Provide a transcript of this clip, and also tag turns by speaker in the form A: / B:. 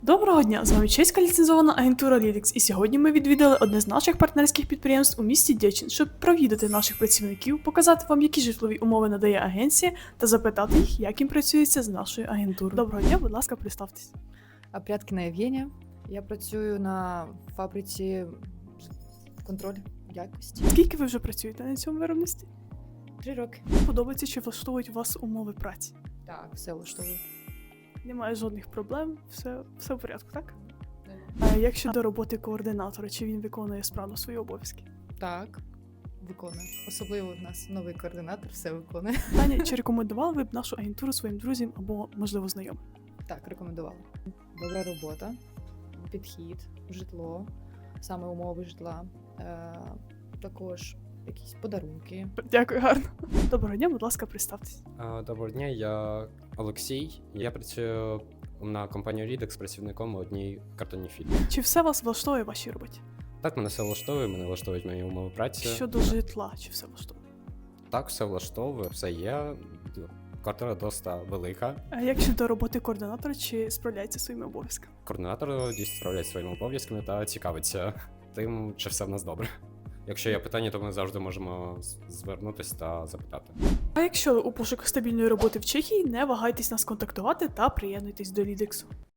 A: Доброго дня! З вами чеська ліцензована агентура Lidx, і сьогодні ми відвідали одне з наших партнерських підприємств у місті Дєчин, щоб провідати наших працівників, показати вам, які житлові умови надає агенція, та запитати їх, як їм працюється з нашою агентурою. Доброго дня, будь ласка, представтесь.
B: Прядкіна Євгенія. Я працюю на фабриці контроль якості.
A: Скільки ви вже працюєте на цьому виробництві?
B: 3 роки.
A: Подобається, чи влаштовують вас умови праці?
B: Так, все влаштовую.
A: Немає жодних проблем, все в порядку, так?
B: Да.
A: А як щодо роботи координатора, чи він виконує справно свої обов'язки?
B: Так, виконую. Особливо в нас новий координатор все виконує.
A: Таня, чи рекомендували ви б нашу агентуру своїм друзям або, можливо, знайомим?
B: Так, рекомендувала. Добра робота, підхід, житло, саме умови житла, також якісь подарунки.
A: Дякую, гарно. Доброго дня, будь ласка, представтесь.
C: Доброго дня, я Олексій. Я працюю на компанію Lidx працівником у одній картонній фірмі.
A: Чи все вас влаштовує в вашій роботі?
C: Так, мене все влаштовує, мене влаштовують мої умови праці.
A: Щодо житла, чи все влаштовує?
C: Так, все влаштовує, все є. Квартира досить велика.
A: А як щодо роботи координатора, чи справляється своїми обов'язками?
C: Координатор дійсно справляється своїми обов'язками та цікавиться тим, чи все в нас добре. Якщо є питання, то ми завжди можемо звернутися та запитати.
A: А якщо ви у пошуках стабільної роботи в Чехії, не вагайтесь нас контактувати та приєднуйтесь до Лідексу.